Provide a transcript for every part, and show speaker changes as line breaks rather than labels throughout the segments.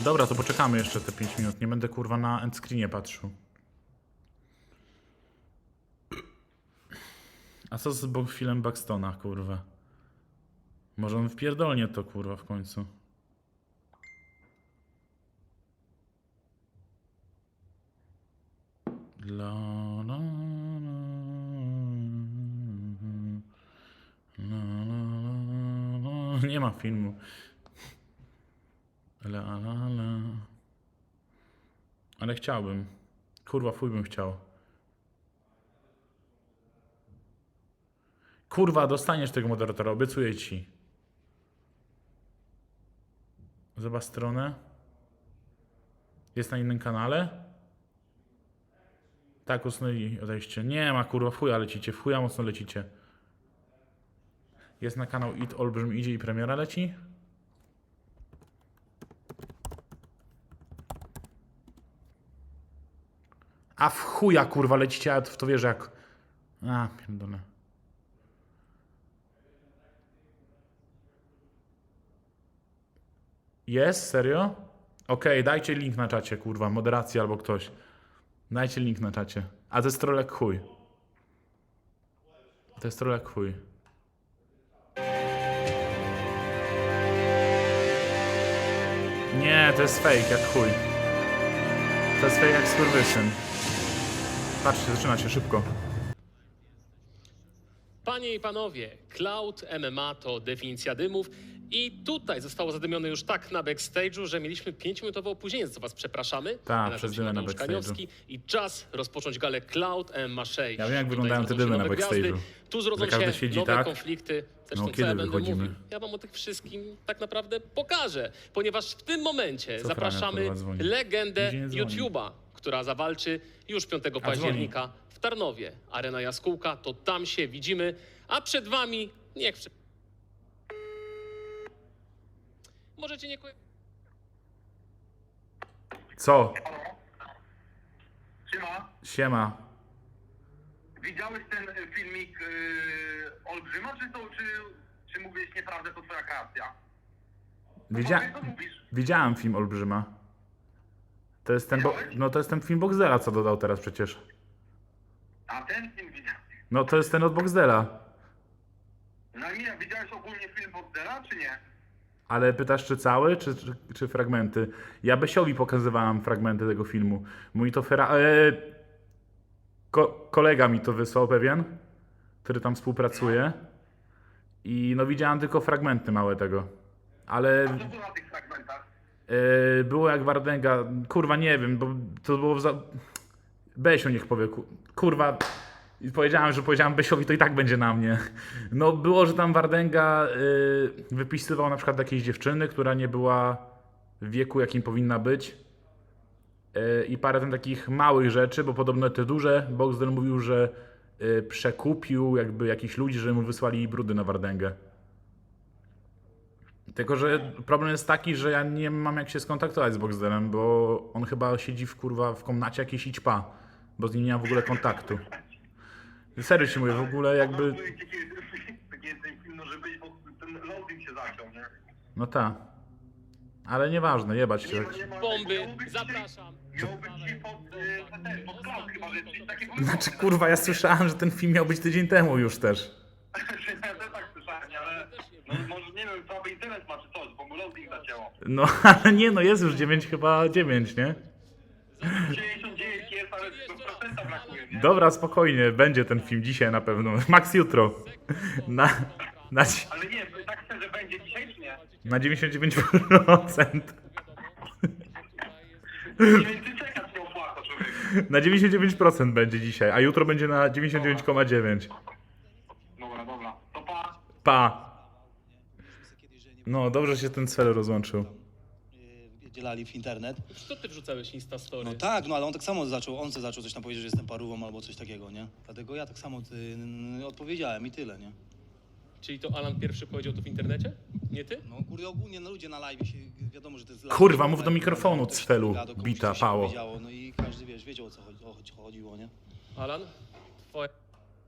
Dobra, to poczekamy jeszcze te 5 minut. Nie będę kurwa na endscreenie patrzył. A co z filmem Buxtona, kurwa? Może on wpierdolnie to, kurwa, w końcu. La, la, la, la, la, la. Nie ma filmu. La, la, la. Ale chciałbym. Kurwa, fuj bym chciał. Kurwa, dostaniesz tego moderatora, obiecuję ci. Zobacz stronę. Jest na innym kanale? Tak, usunęli odejście. Nie ma, kurwa, w chuja lecicie, w chuja mocno lecicie. Jest na kanał It Olbrzym idzie i premiera leci? A w chuja, kurwa, lecicie, a w to wierzę jak... A, pierdolę. Jest? Serio? Okej, dajcie link na czacie, kurwa, moderacja albo ktoś. Dajcie link na czacie. A to jest troll jak chuj. To jest troll jak chuj. Nie, to jest fake jak chuj. To jest fake jak skurwysyn. Patrzcie, zaczyna się szybko.
Panie i panowie, Cloud MMA to definicja dymów i tutaj zostało zadymione już tak na backstage'u, że mieliśmy 5-minutowe opóźnienie, za co was przepraszamy.
Tak,
Ja
przez
nazywam
dymy
się
na
Mateusz
backstage'u.
Kaniowski i czas rozpocząć galę Cloud MMA 6.
Ja wiem, jak
Tutaj
wyglądają te
zrodzą się
dymy na
nowe gwiazdy,
backstage'u.
Tu zrodzą
Że każdy
się
siedzi
nowe
tak.
konflikty. Zresztą
No,
co
kiedy
ja będę
wychodzimy?
mówił? Ja wam o tych wszystkim tak naprawdę pokażę, ponieważ w tym momencie
Co
zapraszamy
Frania, kurwa, dzwoni?
legendę
Nigdzie nie dzwoni.
YouTube'a, która zawalczy już 5
dzwoni.
października w Tarnowie. Arena Jaskółka, to tam się widzimy, a przed wami niech... Możecie nie...
Co?
Siema,
Siema.
widziałeś ten filmik Olbrzyma, czy mówiłeś nieprawdę, to twoja kreacja? Powiedz, co mówisz?
Widziałem film Olbrzyma. To jest ten, no to jest ten film Boxdela, co dodał teraz przecież.
A ten film widziałeś?
No to jest ten od Boxdela.
No nie, widziałeś ogólnie film Boxdela, czy nie?
Ale pytasz, czy cały, czy fragmenty? Ja Besiowi pokazywałem fragmenty tego filmu. Mój to kolega mi to wysłał pewien, który tam współpracuje. I no widziałem tylko fragmenty małe tego. Ale
A co było na tych fragmentach?
było jak Wardęga. Kurwa, nie wiem, bo to było Besio niech powie. Kurwa. I powiedziałem Besiowi, to i tak będzie na mnie. No było, że tam Wardęga wypisywał na przykład jakiejś dziewczyny, która nie była w wieku, jakim powinna być. I parę tam takich małych rzeczy, bo podobno te duże, Boxdel mówił, że przekupił jakby jakichś ludzi, że mu wysłali brudy na Wardęgę. Tylko, że problem jest taki, że ja nie mam jak się skontaktować z Boxdelem, bo on chyba siedzi w komnacie jakiejś i ćpa, bo z nim nie mam w ogóle kontaktu. Serio ci mówię, w ogóle jakby...
Taki jest ten film, może być, bo ten loading się zaciął, nie?
No ta. Ale nieważne, jebać się.
Bomby, zapraszam.
Miał być dzisiaj pod cloud, chyba, że coś takiego...
Znaczy kurwa, ja słyszałem, że ten film miał być tydzień temu już też.
Ja też tak słyszałem, ale... No może, nie wiem, słaby internet ma czy coś, bo mu loading zacięło.
No ale nie, no jest już 9, chyba 9, nie?
99 jest, ale 100% brakuje, nie?
Dobra, spokojnie, będzie ten film dzisiaj na pewno. Max jutro. Na
Ale nie, tak szczerze, będzie dzisiaj czy nie?
99%.
Więcej czekać nie opłaca, człowiek.
Na 99% będzie dzisiaj, a jutro będzie na 99,9.
Dobra, to pa.
Pa. No, dobrze się ten cel rozłączył.
Dzielali w internet.
Co ty wrzucałeś Instastory?
No tak, no ale on tak samo zaczął, zaczął coś tam powiedzieć, że jestem parówą albo coś takiego, nie? Dlatego ja tak samo odpowiedziałem i tyle, nie?
Czyli to Alan pierwszy powiedział to w internecie? Nie ty?
No kurde, ogólnie no, ludzie na live się, wiadomo, że to jest live.
Kurwa, mów do mikrofonu,
Ktoś
cfelu,
gada, komuś
bita,
coś się
pało.
powiedziało, no i każdy, wiesz, wiedział o co chodziło, nie?
Alan? Twoje...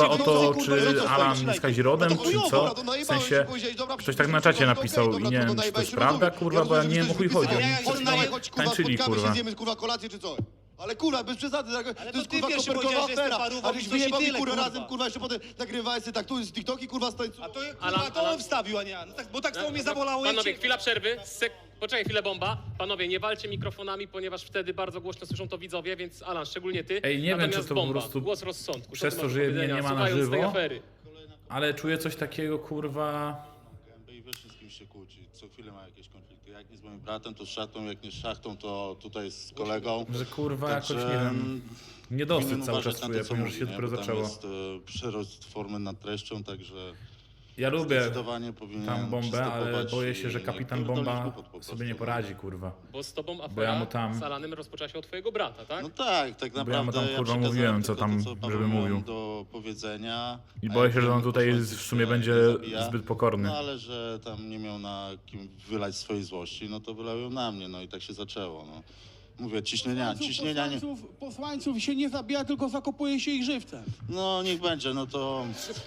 kurwa o
no
to,
co, kurwa,
czy
no co
Alan
stoisz?
jest kazirodem,
No to
czy
chujowo,
co?
dobra, to
W
najebałeś
sensie,
się, powiedziałeś, dobra,
ktoś tak na
przyszedłeś,
czacie
okej,
napisał
dobra,
i nie
to
wiem, czy to
najebałeś
jest
się,
prawda,
rozumiem.
kurwa, bo ja nie wiem, o chuj chodzi.
rozumiem,
Oni
że
coś
coś
tam
chodź, kurwa,
tańczyli,
spotkamy
kurwa.
się, zjemy, kurwa, kolację czy coś. Ale kurwa, bez przesady,
Ale
to
to
jest
ty
kurwa
pierwszy
kopertowa
powiedziałeś, że jestem
afera.
parówą
A
i
żeś
coś i
wyjebał mi
tyle,
kurwa
kurwa.
razem, kurwa, jeszcze potem nagrywałeś sobie tak, tu z TikToki, kurwa, stańcu.
A to
Alan,
kurwa to
Alan.
on wstawił, a nie ja. No tak, bo tak samo mnie zabolało. jak
Panowie,
cię-
chwila przerwy. Poczekaj chwilę, Bomba. Panowie, nie walcie mikrofonami, ponieważ wtedy bardzo głośno słyszą to widzowie, więc Alan, szczególnie ty.
Ej, nie wiem,
Natomiast
czy to po
Bomba,
prostu
głos rozsądku.
przez
Co ty
to,
masz
że
do
mnie
powiedzenia,
nie ma na
słuchając tej
żywo?
afery?
Ale czuję coś takiego, kurwa...
I wiesz, z kim się kłóci. Co chwilę ma jakieś konflikty. Jak nie z moim bratem, to z szachtą, jak nie z szachtą, to tutaj z kolegą.
Że kurwa
Także,
jakoś, nie wiem, niedosyt
powinien
cały
uważać
czas
na to,
czuję,
co
ponieważ
mówi,
się
nie?
dopiero
Bo tam
zaczęło.
jest przerost formy nad treścią, także
Ja lubię
zdecydowanie powinien
tam bombę, ale
przystępować
boję się, że
i
kapitan
pierdolić
bomba
głupot po
sobie
prostu.
nie poradzi, kurwa.
Bo z tobą
Bo ja
afera
mu tam-
z Alanem rozpoczęła się od twojego brata, tak?
No tak, tak
Bo ja mu
naprawdę
tam, kurwa,
przekazałem
mówiłem, co
tylko
tam,
to, co Paweł
żeby
miał
mówił.
do powiedzenia.
I
a
boję
jak
się, że on
wiemy,
tutaj
posłańców
w sumie
się
będzie
nie zabija.
zbyt pokorny.
No ale że tam nie miał na kim wylać swojej złości, no to wylał ją na mnie, no i tak się zaczęło, no. Mówię, ciśnienia nie...
Posłańców się nie zabija, tylko zakopuje się ich żywcem.
No niech będzie, no to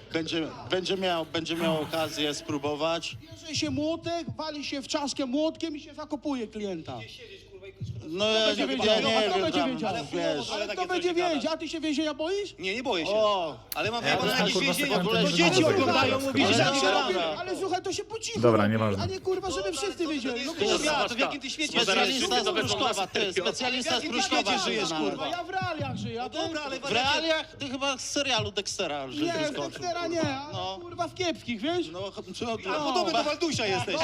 będzie miał okazję spróbować.
Bierze się młotek, wali się w czaszkę młotkiem i się zakopuje klienta.
No ja
będzie
nie
wiedział,
wiem,
kto będzie
tam,
wiedział?
wiesz.
Ale
takie
kto
coś
będzie
gadasz.
wiedział? A ty się więzienia boisz?
Nie, nie boję się.
O!
Ale mam
Ja
ja
dostałem,
jakieś
kurwa,
więzienia,
sekwendę,
to
że
dzieci
nie
oglądają,
mogę.
mówisz,
Ale
że
Ale,
nie
dobra.
robię, ale słuchaj, to się po cichu
Dobra,
robi,
nieważne.
A nie kurwa, żeby wszyscy wiedzieli. No
Kurwa,
kurwa,
to w jakim ty świecie
Specjalista z
to wezmą
Pruszkowa,
na
ty,
serio.
specjalista z
W jakim
Pruszkowa
świecie żyjesz,
znany.
kurwa?
ja w realiach żyję. A ty?
Dobra, ale
W realiach ty chyba z serialu Dextera, że
Nie,
ty
z
skończył.
Dextera nie, ale
No.
kurwa w kiepskich, wiesz?
No,
A podobny do Waldusia jesteś.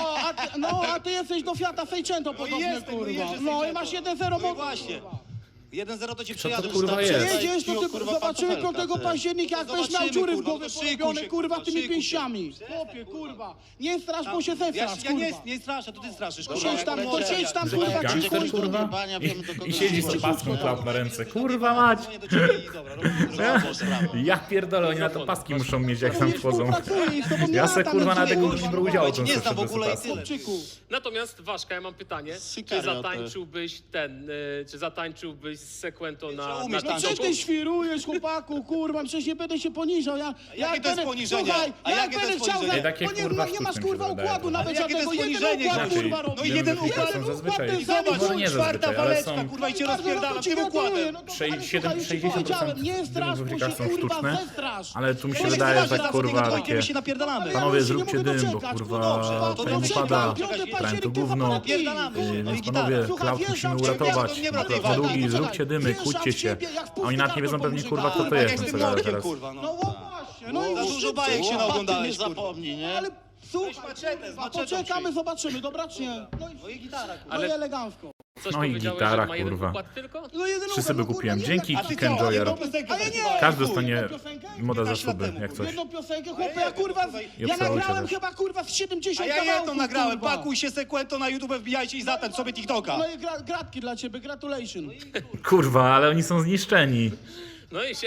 A ty jesteś do Fiata Seicento podobny,
jestem, no
kurwa.
jeżdżę
No i
Seicento.
masz 1-0
No i
mocy,
właśnie.
kurwa.
1-0 to cię
to
przejadę.
kurwa
już tam.
jest?
Jedziesz, to ty
Kurwa,
zobaczymy
pantofelka,
5
ty.
października, jak
No
będziesz miał
zobaczymy,
dziury w
kurwa,
głowie
to szykuj
porobione,
się,
kurwa,
kurwa,
tymi
szykuj się,
pięściami.
kurwa.
Chłopie, kurwa. Nie strasz, bo się
Ja,
zestrasz,
ja
kurwa.
nie straszę, to ty straszysz.
To
kurwa.
siedź tam,
Jak
to
będzie-
siedź tam,
Słuchaj,
kurwa,
jak
cicho.
Gangster,
będziesz do
kurwa,
jebania, wiemy, do kogo
i siedzi z
dzwonić.
paską klap na ręce. Kurwa mać!
Dzwonię do ciebie i dobra, robimy
Sprawa.
Ja pierdolę, oni na to paski muszą mieć, jak tam
Nie
wchodzą.
współpracuję i z tobą nie
Ja se
latam,
kurwa na
nie
tego
kurwa,
nie brał udziału,
Ja cię
to
nie
sobie
znam w ogóle i
pas.
tyle.
Chłopczyku.
Natomiast Waszka, ja mam pytanie. Czy
Sykario,
zatańczyłbyś czy zatańczyłbyś z Sekwento na
umiesz
No
tańczyć.
co ty świrujesz, chłopaku, kurwa, przecież nie będę się poniżał. Ja
jakie to jest poniżenie?
Słuchaj,
A
jak
jakie to
będę
jest
chciał,
poniżenie?
Ej, takie,
bo nie,
kurwa,
nie masz
sztuczne mi
kurwa
się wydaje.
układu nawet
Ale jakie to
żadnego,
jest
jeden
poniżenie,
układ
znaczy?
kurwa
No
robisz.
i
jeden
wiem,
układ,
że są zazwyczaj.
układ,
Zobacz,
Może nie
czwarta
zazwyczaj, ale
waleczka,
są...
kurwa, i cię
No i bardzo
rozpierdalam
dobrze
tym
ci
układem.
gratuluję, no to, ale słuchaj, już ci
60%
powiedziałem, nie strasz, bo się
są
kurwa
sztuczne,
zestrasz.
ale tu mi się
Ja nie
wydaje,
chcę
że
zobaczyć,
kurwa
tylko
takie...
my się napierdalamy.
Panowie,
Ja się nie
zróbcie
mogę
dym, bo
doczekać,
kurwa
no dobrze,
to
fame
dobrze,
pada,
piąte
trend to
października
gówno,
Napierdalamy. No i
więc
gitara.
panowie,
Słuchaj,
Cloud
wjeżdżam
musimy
w ciebie,
uratować.
to nie
Cloud
wracaj,
długi,
poczekaj,
zróbcie dymy,
wjeżdżam
kłóćcie
w
się.
ciebie, jak w
A oni nawet nie wiedzą
pustkę
pewnie
to
kurwa kto to
pomyślałem.
jest,
Jak
no
z
co
młotkiem,
teraz.
kurwa, no.
No właśnie, no i
Za dużo bajek się
Nie
naoglądałeś, kurwa.
zapomnij, nie?
ale słuchaj,
Weź maczetę, z
kurwa,
maczetą
poczekamy,
przyjdź.
zobaczymy, dobra czy nie?
No i gitara, kurwa.
No i
Ale-
elegancko.
Coś
No i
powiedziałeś,
gitara,
że ma jeden
kurwa.
układ tylko?
No jeden
Trzy
układ,
sobie
no kurwa,
kupiłem.
jednak-
Dzięki
A ty
Kick
co,
Enjoyer.
jedną piosenkę? Ale nie,
Każdy
chuj,
dostanie
jedną piosenkę?
moda za
15 lat
suby,
temu,
jak
kurwa.
coś.
Jedną piosenkę,
A
chłopie,
ja
ja kurwa,
tutaj-
I
ja
obserwujcie
nagrałem
też.
chyba kurwa z 70
A ja
kawałków,
jedną nagrałem,
kurwa.
pakuj się Sekwento na YouTube, wbijajcie i zatańcz sobie TikToka.
No i gratki dla ciebie, gratulation.
Kurwa, ale oni są zniszczeni.
No i się...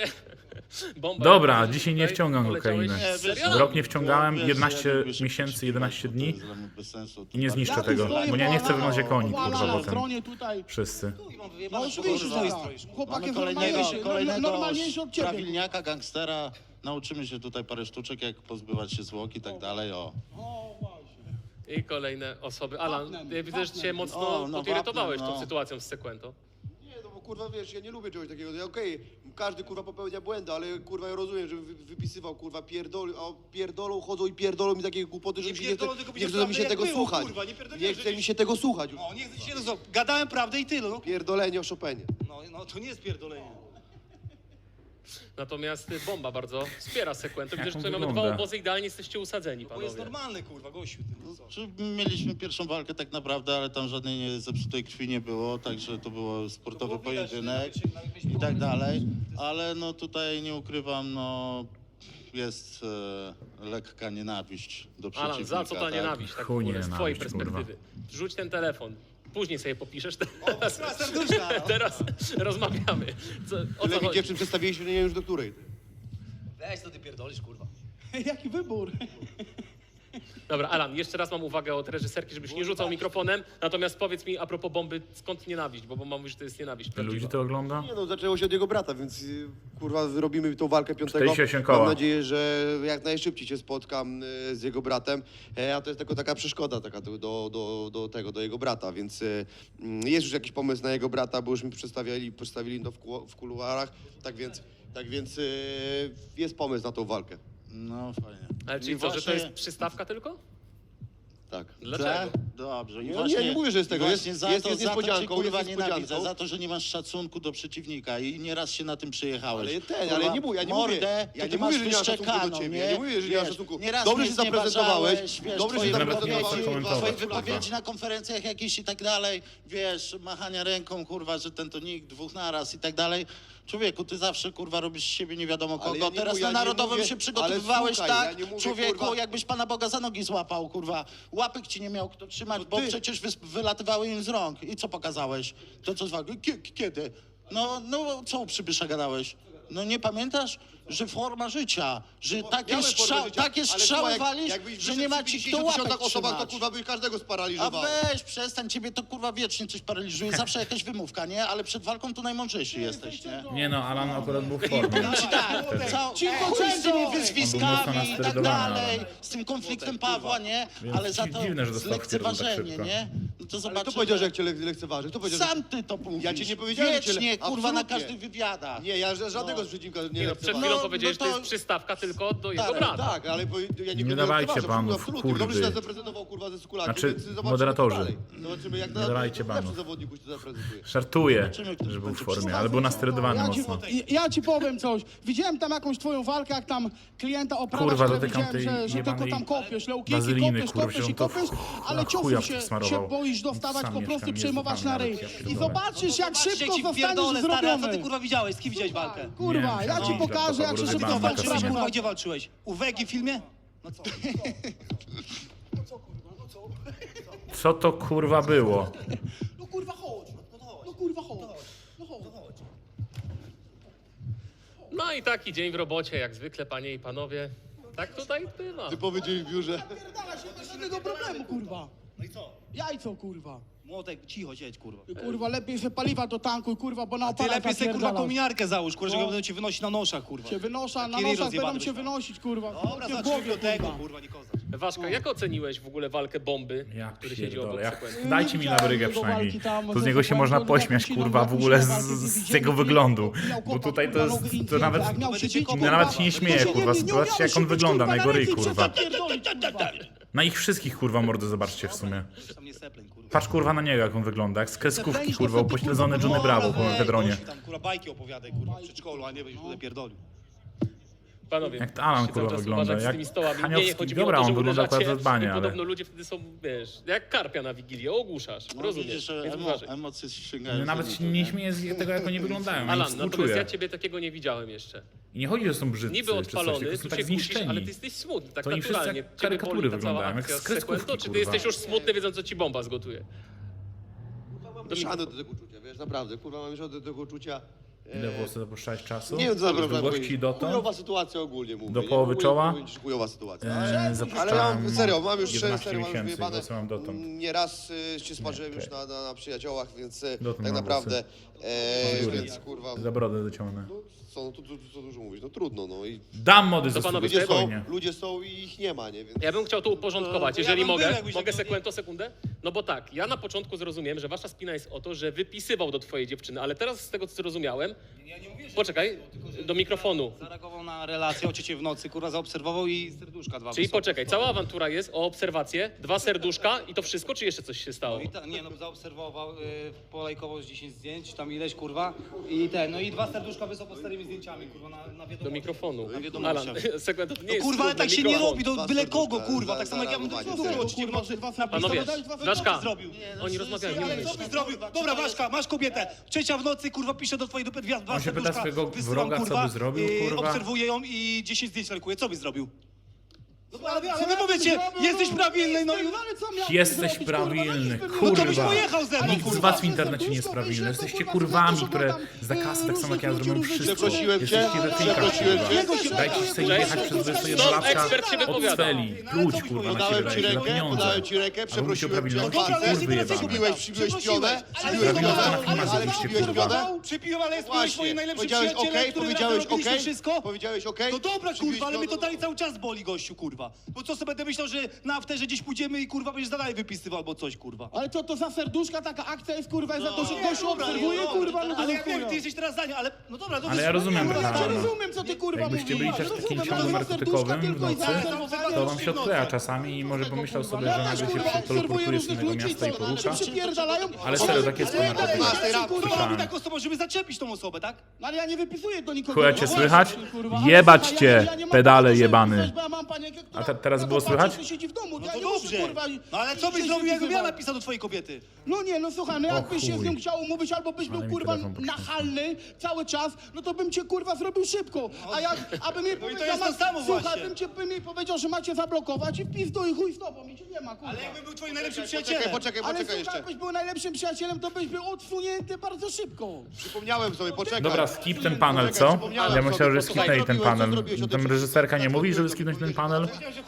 Bomba.
Dobra, dzisiaj nie wciągam
Poleciałeś
kokainy.
z serialem.
W rok nie wciągałem,
Wiesz,
11
ja lubię się
miesięcy,
prześpiewać,
11
to
dni
jest dla mnie bez sensu.
i nie zniszczę
Ja tu
tego,
stoję
bo ja nie chcę
po-
wyglądać jak oni,
po
kurwa,
Alana
potem.
stronie tutaj.
Wszyscy.
No oczywiście, że tak. Chłopak
Mamy
jest
kolejnego,
normalniejszy, normalniejszy od ciebie.
prawilniaka, gangstera. Nauczymy się tutaj parę sztuczek, jak pozbywać się zwłok i tak dalej. O.
I kolejne osoby. Alan,
Wapnem,
ja widzę, że cię
wapnem.
mocno
O, no
podirytowałeś
wapnem,
tą
no.
sytuacją z Sekwento.
Nie, no bo kurwa wiesz, ja nie lubię czegoś takiego. Ja okej, każdy kurwa popełnia błędy, ale kurwa ja rozumiem, że wypisywał kurwa pierdolą, chodzą i pierdolą mi takie głupoty, że
Nie
mi się nie chce,
pierdolą, tylko
nie chce
powiedział
mi się
prawdę,
tego
jak było,
słuchać.
kurwa, nie pierdoliłem,
Nie
że
chce
ci-
mi się tego słuchać.
No, nie chcę się to gadałem prawdę i tyle, no.
Pierdolenie o Chopinie.
No to nie jest pierdolenie.
Natomiast Bomba bardzo wspiera Sekwento. Widzę,
Jak
że
on
tutaj mamy dwa
wygląda?
obozy, idealnie jesteście usadzeni,
Bo jest
panowie.
normalny, kurwa, gościu. Ty, no co?
Czy mieliśmy pierwszą walkę tak naprawdę, ale tam żadnej zepsutej krwi nie było, także to było sportowy
To było widać,
pojedynek
nawet się
i tak dalej. Ale no tutaj nie ukrywam, no jest lekka nienawiść do przeciwnika.
Alan, za co ta
tak?
nienawiść, tak w
Chuj
ogóle, z twojej
nienawiść, kurwa.
perspektywy? Rzuć ten telefon. Później sobie popiszesz.
Ostra serduszka, no.
Teraz rozmawiamy. O co
Tyle mi
chodzi?
dziewczyn przedstawiliśmy, nie wiem już do której.
Weź, to ty pierdolisz, kurwa.
Jaki wybór.
Dobra, Alan, jeszcze raz mam uwagę od reżyserki, żebyś nie rzucał mikrofonem. Natomiast powiedz mi a propos bomby, skąd nienawiść, bo mam mówić, że to jest nienawiść
Ludzi
prawdziwa.
to ogląda?
Nie no, zaczęło się od jego brata, więc kurwa robimy tą walkę 5.
48 koła.
Mam nadzieję, że jak najszybciej się spotkam z jego bratem, a to jest tylko taka przeszkoda taka do jego brata, więc jest już jakiś pomysł na jego brata, bo już mi przedstawili to w kuluarach, tak więc jest pomysł na tą walkę.
No fajnie.
Ale czyli
I
co, że to
właśnie-
jest przystawka tylko?
Tak.
Dlaczego?
Dobrze. I
Nie,
właśnie,
nie mówię, że jest tego.
Właśnie
Jest-
za
jest
to, za to cię,
niespodzianką,
kurwa,
jest
nienawidzę,
niespodzianką.
za to, że nie masz szacunku do przeciwnika i nieraz się na tym przejechałeś.
Ale nie mówię, ja nie
mordę,
mówię,
to
ja
ty
nie
masz
mówię, że nie mam szacunku do
wyszczekaną,
ciebie,
nie?
ja nie mówię, że nie mam
Wiesz,
szacunku.
nieraz
Dobrze
mnie
się zaprezentowałeś,
wiesz,
dobrze się
twoje
zaprezentowałeś,
wypowiedzi,
komentować,
twoje
kurwa.
wypowiedzi na konferencjach jakieś i tak dalej, wiesz, machania ręką, kurwa, że ten to nikt, dwóch naraz i tak dalej. Człowieku, ty zawsze, kurwa, robisz z siebie nie wiadomo
Ale
kogo.
ja nie
Teraz
mówię-
na
ja nie
Narodowym
mówię-
się
ale
przygotowywałeś
słuchaj,
tak,
ja nie mówię,
człowieku,
kurwa-
jakbyś Pana Boga za nogi złapał, kurwa. Łapek ci nie miał kto trzymać,
To
bo
ty.
przecież wylatywały im z rąk. I co pokazałeś? To co z wagi? Kiedy? No, co u przybysza gadałeś? No nie pamiętasz? Że forma życia, że takie,
Miałem formę życia,
takie
ale
strzały
słuchaj,
walisz,
jakbyś
że nie ma ci kto
50
łapek
osobach, to
trzymać.
kurwa by każdego
A
sparaliżowało.
weź, przestań, ciebie to kurwa wiecznie coś paraliżuje, zawsze jakaś wymówka, nie? Ale przed walką to najmądrzejszy jesteś, nie?
Nie no, Alan akurat był w formie.
Znaczy tak, chuj z tymi wyzwiskami i tak dalej, z tym konfliktem Pawła, nie?
Więc
Ale za to
dziwne, że dostał wpierdol tak
lekceważenie,
szybko.
nie? No to
Ale
zobaczymy.
kto powiedział, że jak cię lekceważy? Kto powiedział, że...
Sam ty to mówisz.
Ja ci nie powiedziałem, że cię
Wiecznie, kurwa, na
absolutnie.
każdych wywiadach.
Nie, ja żadnego przeciwnika nie
Nie no, przed
lekceważę.
chwilą
No,
powiedziałeś,
no
że
to-
to jest przystawka tylko do jego
Tak,
brata.
Tak, ale ja
Nie dawajcie
lekceważę,
banów,
absolutnie.
kurwy.
Dobrze się zaprezentował kurwa ze Sukulakiem,
Znaczy,
więc zobaczymy,
moderatorzy.
co dalej. Zobaczymy jak
Nie dawajcie
lepszy
banów.
zawodnik się zaprezentuje.
Żartuję,
Zobaczymy, kto
że był w
będzie
formie, ale był nasterydowany
Ja ci,
mocno.
ja ci powiem coś. Widziałem tam jakąś twoją walkę, jak tam klienta oprawiasz,
Kurwa,
ale
dotykam
widziałem,
tej
że tylko
jebanej
tam kopiesz, leukiki,
wazyliny,
kopiesz,
kurwa,
kopiesz
on
i
to
kopiesz, ale
na chuja
ciosów się
przysmarował.
boisz dostawać,
Sam
po
mieszkam,
prostu
nie
przejmować
znam
na
nawet,
ryj.
ja
I
pierdolę.
zobaczysz, jak szybko
ci
zostaniesz
pierdolę, stary, a co ty
zrobiony.
kurwa widziałeś? Z kim widziałeś walkę?
Kurwa,
Nie,
ja ci
no,
pokażę, jak się
rozjebałem
szybko
na
walczysz.
kasynie.
Kurwa, gdzie walczyłeś? U Wegi w filmie?
Co to kurwa było?
No kurwa chodź, no kurwa chodź. No chodź.
No i taki dzień w robocie, jak zwykle, panie i panowie. Tak tutaj bywa.
Typowy dzień w biurze.
Pierdala się bez żadnego problemu, kurwa.
No i co?
Jajco, kurwa.
Młotek, cicho siedź, kurwa.
Kurwa, lepiej se paliwa do tanku, kurwa, bo na
Ty
opalach
lepiej sobie, kurwa,
zapierdalasz.
kominiarkę załóż, kurwa, że
No.
będą cię wynosić na noszach, kurwa.
Cię wynosza, na
Taki ryj
nosach
rozjebany
będą cię
byś miał.
wynosić, kurwa.
Dobra,
w
zacznijmy
głowie,
do tego,
kurwa.
kurwa, nie kozak.
Waszka, jak oceniłeś w ogóle walkę bomby,
Ja
który siedzi obok
pierdolę,
sekwencji?
dajcie mi na brygę
Jego
przynajmniej.
walki tam
To z
ze
niego się
Sekwencją,
można
jak
pośmiać,
Kusiną,
kurwa,
jak
w ogóle
Kusiną walkę
z
widzieli,
jego wyglądu.
miał
Bo
kłopot,
tutaj to
kurwa,
jest,
nogi
to
indziej,
nawet,
jak miał się bić,
no nawet się nie śmieje,
to
kurwa,
nie
zobaczcie jak on
umiałeś
wygląda
się
na
bić,
jego ryj,
kurwa,
kurwa.
zapierdolić, kurwa.
Na ich wszystkich, kurwa, mordy zobaczcie w sumie.
Tam nie sepleń, kurwa.
Patrz, kurwa, na niego, jak on wygląda, jak z kreskówki,
Zaplenisz
kurwa,
to wtedy,
upośledzony
kurwa,
Johnny Bravo po
Ej,
mefedronie.
gościu, tam, kurwa, bajki opowiadaj, kurwa, w przedszkolu, a nie byś tutaj pierdolił.
Panowie,
Jak Alan,
musicie cały
kurwa,
czas
wygląda,
uważać z
jak
tymi stołami.
Haniowski.
Nie chodzi mi
Dobra,
o to, że
on wygląda
uderzacie
akurat zadbanie,
i
ale-
podobno ludzie wtedy są, wiesz, jak karpia na Wigilię, ogłuszasz,
No,
rozumiesz,
widzisz,
więc uważaj.
emocje sięgają.
Nawet się nie śmieję z tego, jak oni wyglądają, ja im
Alan, natomiast
współczuję.
ja ciebie takiego nie widziałem jeszcze.
I nie chodzi, że są brzydcy,
Niby
czy coś,
odpalony,
tylko
tu
są
się
tak
kusisz,
zniszczeni.
ale ty jesteś smutny, tak
To oni wszyscy
naturalnie.
jak
Ciebie
karykatury
boli ta cała
wyglądają, jak
akcja
z
z sekwencji.
kreskówki,
Czy ty
kurwa.
jesteś już smutny, wiedząc, co ci bomba zgotuje?
Mam mieszane do tego uczucia, wiesz, naprawdę, kurwa, mam mieszane do tego uczucia.
Ile włosy dopuszczałeś czasu?
Nie wiem, co naprawdę
Długości dotąd?
Chujowa sytuacja ogólnie mówię.
Do
nie?
połowy
Ogólnie
czoła?
powiem ci, chujowa sytuacja.
Ale ja
Ale mam, serio, mam już
11
serio, mam już
miesięcy,
wyjebane.
włosy mam dotąd.
Nieraz się sparzyłem
Nie,
już
okej.
na przyjaciołach, więc
Dotąd
tak
mam
naprawdę,
Z góry.
więc kurwa,
Za brodę dociągnę.
no, co dużo mówić, no trudno, no i
Dam mody ze
panowie,
studia,
ludzie są,
spokojnie.
ludzie są i ich nie ma, nie, więc...
Ja bym chciał to uporządkować,
No,
jeżeli
ja bym
mogę.
był, jakbyś
Mogę
tak-
sekundę? No bo tak, ja na początku zrozumiałem, że wasza spina jest o to, że wypisywał do twojej dziewczyny, ale teraz z tego, co zrozumiałem...
Ja nie mówię, że...
Poczekaj, do mikrofonu.
Zareagował na relację o ciebie w nocy, kurwa, zaobserwował i serduszka dwa
Czyli
wysoko.
poczekaj, cała awantura jest o obserwację, 2 serduszka i to wszystko, czy jeszcze coś się stało?
No i nie no, zaobserwował, polajkował z 10 zdjęć, tam ileś, kurwa, no i 2 serduszka wysoko z starymi zdjęciami, kurwa, na wiadomości.
Do mikrofonu.
Na wiadomościach.
Alan, sekunda, to nie
No
jest
kurwa, ale
trudne,
tak się nie
mikrofon.
robi, do
Dwa
byle kogo,
serduszka,
kurwa, tak samo jak ja bym
zareagowanie,
zrobił
serio.
ci w nocy na
Panowie,
blisko,
Waszka,
zrobił.
oni rozmawiają, nie
Ale
mówisz.
co byś zrobił? Dobra, Waszka, masz kobietę. Trzecia w nocy, kurwa, pisze do twojej dupy dwa
On się pyta
serduszka,
swojego
wysyłam,
wroga, co
kurwa,
by zrobił, kurwa.
obserwuję ją i 10 zdjęć lajkuje. Co byś zrobił? Ale wy powiecie, jesteś prawilny, no i...
Jesteś prawilny,
No to byś
kurwa.
pojechał ze mną,
Nikt z
kurwa.
was w internecie nie jest prawilny. Jesteście kurwami, które za kasę tak samo jak ja zrobią wszystko.
Przeprosiłem cię,
Jesteście we fejkach,
przeprosiłem
kurwa.
cię.
Dajcie sobie jechać przez 21
Stop,
latka
ekspert się
od
wypowiada.
celi. Pluć, kurwa, na siebie
Podałem ci
dajcie za
rękę,
pieniądze.
podałem ci rękę,
A mówicie o
przeprosiłem cię.
prawilności,
Dobra, ale
kurwy
dlaczego
jebane.
Przybiłeś pionę,
Prawidłowo na filmach zrobiliście, kurwa.
Przypiłem, ale jest
Właśnie,
moim najlepszym
powiedziałeś
przyjacielem,
okej,
który
powiedziałeś
razem robiliśmy
okej,
wszystko.
powiedziałeś okej.
No dobra,
Przybiłeś
kurwa, ale mnie
pionę,
to dalej cały czas boli, gościu, kurwa. Bo co sobie będę myślał, że na afterze gdzieś pójdziemy i kurwa będziesz dalej wypisywał albo coś, kurwa.
Ale to za serduszka taka akcja jest, kurwa, za to, że gościu
Dobra,
obserwuje,
dobra,
kurwa, no to
ale
za
ja wiem,
chuja.
ty jesteś teraz zdania, ale no dobra,
Ale ja rozumiem,
No, ja
tak.
rozumiem, co ty, kurwa,
Jakbyście
mówisz.
byli też takim
Rozumiem,
ciągłym
ale za serduszka
narkotykowym w
tylko i
nocy,
zaobserwowanie.
to wam się odkleja czasami i może pomyślał sobie, że nagle się teleportuje z innego miasta i porusza.
Przypierdalają.
Ale serio, tak jest po narkotykach.
Kurwa, tak osobą, żeby zaczepić tą osobę, tak?
No ale ja nie wypisuję do nikogo.
Chuja cię
No
słychać?
właśnie, kurwa, ale
Jebać
słuchaj,
cię,
ja nie mam
pedale
prawa, żeby
jebany.
pisać, bo ja mam panienkę, która
A teraz
jako
było
facet
słychać?
siedzi w domu.
No
Ja
to
nie muszę,
dobrze.
kurwa,
No ale co byś
się
zrobił, jakbym ja
wypisywał.
napisał do twojej kobiety?
No nie, no słuchaj, no jakbyś się z
chuj.
nią chciał umówić, albo byś
Ale
był,
mi
kurwa,
telefon pokręcił.
nachalny cały czas, no to bym cię, kurwa, zrobił szybko. A jak, abym jej
No i to
powiedział,
jest to samo
słuchaj,
właśnie.
bym jej powiedział, że macie zablokować i wpizdu i chuj z tobą, i cię nie ma, kurwa.
Ale jakbym był twoim najlepszym
Poczekaj,
przyjacielem.
poczekaj,
Ale
poczekaj
słuchaj,
jeszcze.
jakbyś był najlepszym przyjacielem, to byś był odsunięty bardzo szybko.
Przypomniałem sobie, poczekaj.
Dobra, skip ten panel, co? Ja myślałem, że skipnęli ten panel. Tam reżyserka nie mówi, żeby skipnąć ten panel?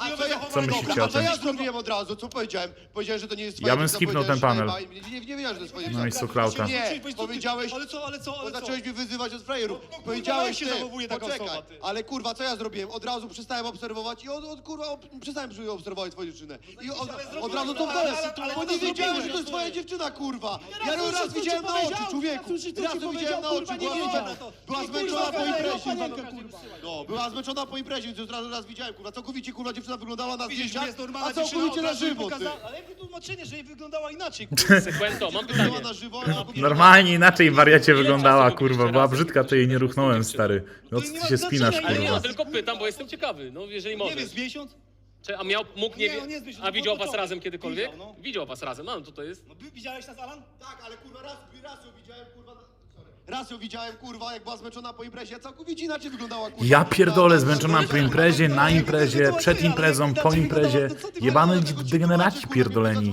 Co myślicie o
A co
tym?
ja zrobiłem od razu? Co powiedziałem? Powiedziałem, że to nie jest
Ja bym
dziewczyna,
skipnął ten
powiedziałeś,
panel.
że nie wiedziałem, że to jest twoja
No i
dziewczyna.
Suklauta.
Nie, powiedziałeś,
Ale co,
bo
ale co?
zacząłeś mnie wyzywać od frajerów.
kurwa,
Powiedziałeś
jak się
ty,
zachowuje taka
poczekaj,
osoba, ty?
ale kurwa, co ja zrobiłem? Od razu przestałem obserwować i przestałem obserwować twoją dziewczynę. I od razu to w dole, bo nie wiedziałem, że to jest twoja dziewczyna, kurwa. Ja ją raz widziałem na oczy, człowieku. Raz ją widziałem na oczy, była zmęczona po imprezie. No, była zmęczona po imprezie, więc już raz widziałem, kurwa. Całkowicie, kurwa, dziewczyna wyglądała na
Widzisz,
zdjęciach,
jest normalna
a całkowicie
dziewczyna,
na
od razu jej
żywo, ty.
pokazała- Ale jakie tłumaczenie, że jej wyglądała inaczej, kurwa.
Sekwento, mam
Wyglądała
pytanie.
na żywo, a całkowicie-
Normalnie inaczej wariacie
Ile
wyglądała,
czasu
kurwa.
robiliście
Była
razem?
brzydka, to jej nie ruchnąłem, stary. No
To nie
ty
ma
się spinasz,
znaczenia,
Ale nie,
kurwa.
no tylko pytam, bo jestem ciekawy. No jeżeli
Nie
możesz.
wiem, z miesiąc?
Czy, a mógł nie,
Nie, on nie jest
a widział was
początek.
razem kiedykolwiek?
Widział, no.
Widział was razem, no to to jest.
No widziałeś nas, Alan?
Tak, ale kurwa, raz ją widziałem, kurwa, sorry. Raz ją widziałem, kurwa, jak była zmęczona po imprezie, a całkowicie inaczej wyglądała, kurwa.
Ja pierdolę, zmęczona po imprezie, na imprezie, przed imprezą, po imprezie. Jebane degeneraci pierdoleni.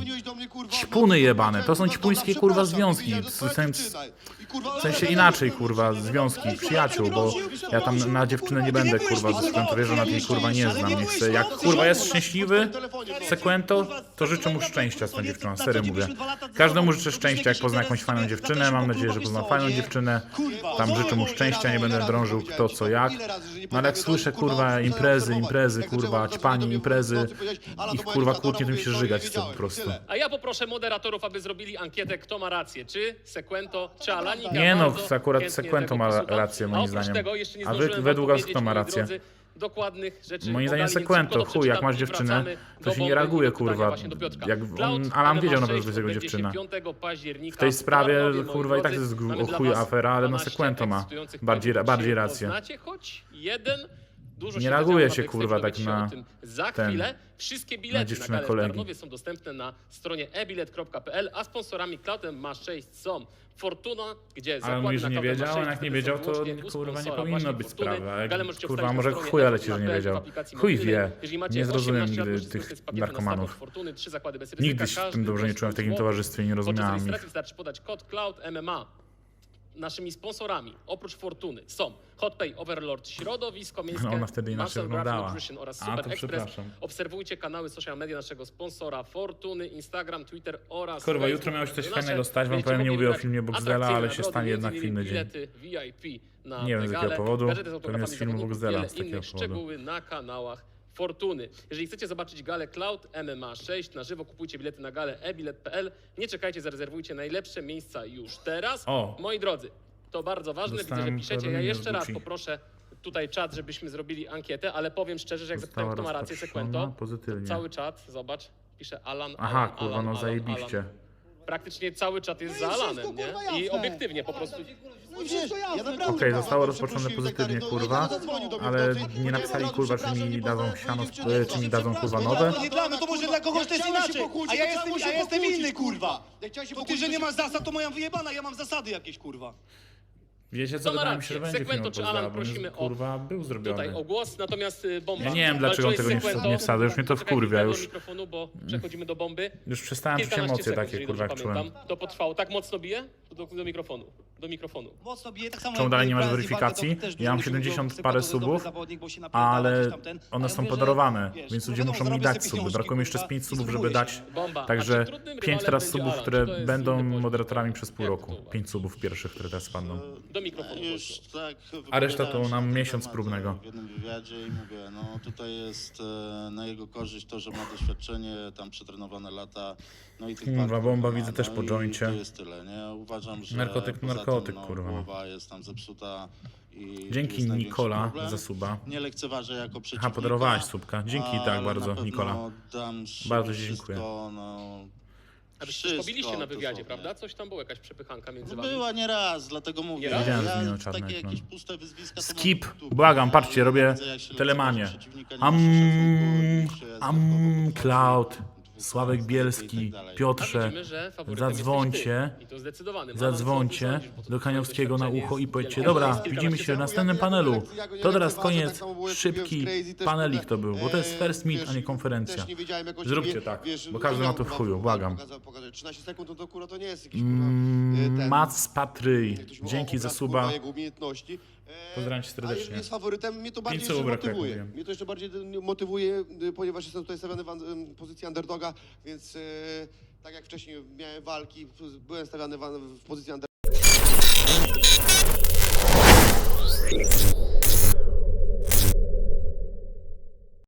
Ćpuny jebane, to są ćpuńskie, kurwa, związki. W sensie inaczej, kurwa, związki, przyjaciół, bo ja tam na dziewczynę nie będę, kurwa, ze względu, że ona tej, kurwa, nie znam. Nie chcę, jak, kurwa, jest szczęśliwy, Sekwento, to życzę mu szczęścia z tą dziewczyną, serio mówię. Każdemu życzę szczęścia, jak pozna jakąś fajną dziewczynę, mam nadzieję, że pozna fajną dziewczynę. Tam życzę mu szczęścia, nie będę drążył kto co jak. No ale jak słyszę, kurwa, imprezy, kurwa, ćpanie, imprezy, ich, kurwa, kłótnie, to mi się żygać chce po prostu.
A ja poproszę moderatorów, aby zrobili ankietę, kto ma rację, czy Sekwento, czy Alanik.
Nie no,
Bardzo
akurat
chętnie
Sekwento
tego
ma
posłucham.
rację,
A
moim
oprócz
zdaniem.
tego jeszcze nie
A wy-
zdążyłem
według
wam
was
powiedzieć,
kto ma
moi
rację?
drodzy, dokładnych rzeczy.
Moim zdaniem
podali, więc
Sekwento,
szybko
chuj, jak
przeczytam
masz
i
dziewczynę,
wracamy
to
do
się nie
bomby
reaguje,
i do pytania
kurwa.
właśnie do Piotrka.
Jak
Cloud
Alan wiedział na
MMA
pewno, że jest jego
6
dziewczyna.
odbędzie się 5 października
W tej sprawie,
Warszawie, moi
kurwa, i tak
drodzy.
jest
Mamy
o
dla
chuj
was
afera, ale no
12
Sekwento ma
ekscytujących
bardziej
powodów. Czy
rację.
Poznacie choć jeden? Dużo
Nie
się
reaguje
zadziało
się,
na
kurwa,
backstage,
tak
dowiecie
na
się o tym za
ten,
chwilę. Wszystkie bilety na
dziewczynę
galę w
kolegi.
Tarnowie są dostępne na stronie ebilet.pl, a sponsorami Cloudem ma 6 są Fortuna, gdzie zakłady
mówisz, że
na
nie
Cloudem
wiedział,
ma 6,
a jak nie
wtedy
wiedział,
są
to
wyłącznie u
kurwa nie
sponsora
powinno
właśnie
być
Fortuny.
sprawy. A jak,
Galę możecie
kurwa,
obstawić
może
na stronie
chuj, ale ci, że nie
FFP,
wiedział.
w aplikacji
Chuj
mobilnej.
wie,
Jeżeli macie
nie zrozumiem
18 lat,
nigdy
możecie
tych
skorzystać z pakietu
narkomanów.
nastawek Fortuny, 3 zakłady bez ryzyka.
Nigdy się w tym dobrze nie czułem w takim towarzystwie, nie rozumiałem
Podczas
ich.
rejestracji wystarczy podać kod Cloud MMA. Naszymi sponsorami, oprócz Fortuny, są Hotpay, Overlord, Środowisko Miejskie,
No, ona wtedy inaczej
Muscle Graph
wyglądała.
Nutrition oraz
A,
Super
to
Express.
przepraszam.
Obserwujcie kanały social media naszego sponsora Fortuny, Instagram, Twitter oraz
Kurwa,
Facebook.
jutro miałeś coś
Nasze
fajnego stać, wam
będziecie
powiem, nie
mogli
mówię o
wybrać
filmie Boxdela,
atrakcyjne
ale się
nagrody,
stanie jednak
między innymi
w inny dzień.
bilety VIP na
Nie wiem z
tę
jakiego
galę,
powodu,
gadżety z
pewnie
autografami
z filmu
zawodników,
Boxdela
wiele
z takiego
innych
powodu.
szczegóły na kanałach Fortuny. Jeżeli chcecie zobaczyć galę Cloud MMA 6 na żywo, kupujcie bilety na galę ebilet.pl. Nie czekajcie, zarezerwujcie najlepsze miejsca już teraz.
O!
Moi drodzy, to bardzo ważne, widzę, że
Dostałem
piszecie. Ja
powiadomienie
jeszcze
z
raz
Gucci.
poproszę tutaj czat, żebyśmy zrobili ankietę, ale powiem szczerze, że jak
Została
zapytałem, kto ma rację,
rozpatrzona
Sekwento,
pozytywnie.
cały czat, zobacz, pisze Alan,
Aha,
Alan,
kurwa,
Alan,
no
Alan,
zajebiście.
Alan. Praktycznie cały czat jest
No
za
i wszystko,
Alanem, nie?
kurwa, jasne.
I obiektywnie po prostu.
No i wszystko jasne.
Okej, zostało rozpoczęte pozytywnie, kurwa, ale nie napisali, kurwa, czy mi dadzą siano, czy mi dadzą, kurwa, nowe.
To nie dla mnie, to może dla kogoś to jest inaczej. A ja jestem inny, kurwa.
Jak chciałem się
To ty,
pokłócić,
że nie
to
masz zasad, to moja wyjebana, ja mam zasady jakieś, kurwa.
Wiecie co,
To ma
wydaje mi się, że
rację.
będzie film
Sekwento
o
czy Alan,
Pozdra, bo on jest,
prosimy o
kurwa, był zrobiony.
tutaj o głos, natomiast Bomba.
Ja nie wiem, dlaczego on
walczyłeś
tego
z
nie
Sekwento.
nie wsadza, już mnie to
Czekaj
wkurwia,
chwilę
już,
do mikrofonu, bo przechodzimy do Bomby.
już przestałem czuć
15
emocje
sekund,
takie,
jeżeli
kurwa, jak
dobrze
czułem.
pamiętam. To potrwało. Tak mocno bije? Do mikrofonu. Do mikrofonu.
Mocno bije, tak samo
Czemu
jak
dalej nie masz
Francji
weryfikacji?
Walka, to też
Ja mam
dużo
70
ludzi
parę
mówią, Sekwento to jest
subów,
dobry zawodnik, bo się napierdala,
ale
gdzieś tam ten,
one
ale
są
mówię, że,
podarowane,
wiesz,
więc
no
ludzie
wiadomo,
muszą mi
zarobię
dać
sobie
suby.
pieniążki,
Brakuje mi jeszcze z
kurwa,
5
i
subów, żeby
spróbuję
dać.
się.
Bomba.
Także
A czy trudnym
5
rywalem
teraz
będzie
subów,
Alan?
które
Czy to jest
będą
inny poziom?
moderatorami przez pół
Jak
roku.
to uważasz?
5 subów pierwszych, które teraz spadną.
Do mikrofonu.
Już
głośno.
tak
A reszta to
wypowiadałem się
nam
na ten
miesiąc
temat,
próbnego.
w jednym wywiadzie i mówię, no tutaj jest na jego korzyść to, że ma doświadczenie, tam przetrenowane lata, no i tych
Kurwa,
walk,
Bomba
ma,
widzę też
no
po
i
joincie.
To jest tyle, nie? Uważam, że
Narkotyk,
poza
narkotyk,
tym,
kurwa.
głowa jest tam zepsuta i tu
Dzięki
jest największy
Nikola
problem.
za suba.
Nie lekceważę jako przeciwnika.
Aha, podarowałeś subka. Dzięki
ale
tak
na
bardzo,
pewno
Nikola.
dam
Bardzo ci
wszystko,
dziękuję.
No,
A wy się
wszystko
pobiliście na wywiadzie,
dosłownie.
prawda? Coś tam było, jakaś przepychanka między
No
wami.
była nie raz, dlatego mówię.
raz?
Widziałem
ja
zmianę czarnek,
takie
no.
jakieś puste wyzwiska to
Skip,
mam w dupie,
błagam,
nie?
patrzcie,
Ale
robię
widzę, jak się
telemanię.
lekceważy przeciwnika, nie ma szacunku, niż jest dodatkowo
Cloud,
podchodzi,
Sławek
i
Bielski,
tak dalej.
A
Piotrze,
widzimy, że faworytem
zadzwońcie,
jesteś ty. I to zdecydowanym.
zadzwońcie do Kaniowskiego na ucho i powiedzcie, dobra,
Jest kilkanaście
widzimy się w
sekund.
następnym
Ja go
panelu.
ja
To teraz
lekceważę,
koniec,
tak samo było, jak
szybki
kupiłem z Crazy, też,
panelik
kurde,
to był, bo to jest first meet, a nie konferencja.
też nie wiedziałem, jak on się
Zróbcie
bije,
tak,
wiesz,
bo każdy ma to w
kurwa,
chuju, błagam.
pokazał 13 sekund, no to kurwa to nie jest jakiś kurwa... ten-
Mac Patryj,
jak to się mówi,
dzięki za
obraz,
suba.
kurwa, jego umiejętności.
Pozdrawiam cię
A
serdecznie.
jeżeli jest faworytem, mnie to bardziej
5
jeszcze
słów brakuje, jak
motywuje.
mówiłem.
Mnie to jeszcze bardziej motywuje, ponieważ jestem tutaj stawiany w pozycji underdoga, więc tak jak wcześniej miałem walki, byłem stawiany w pozycji underdoga.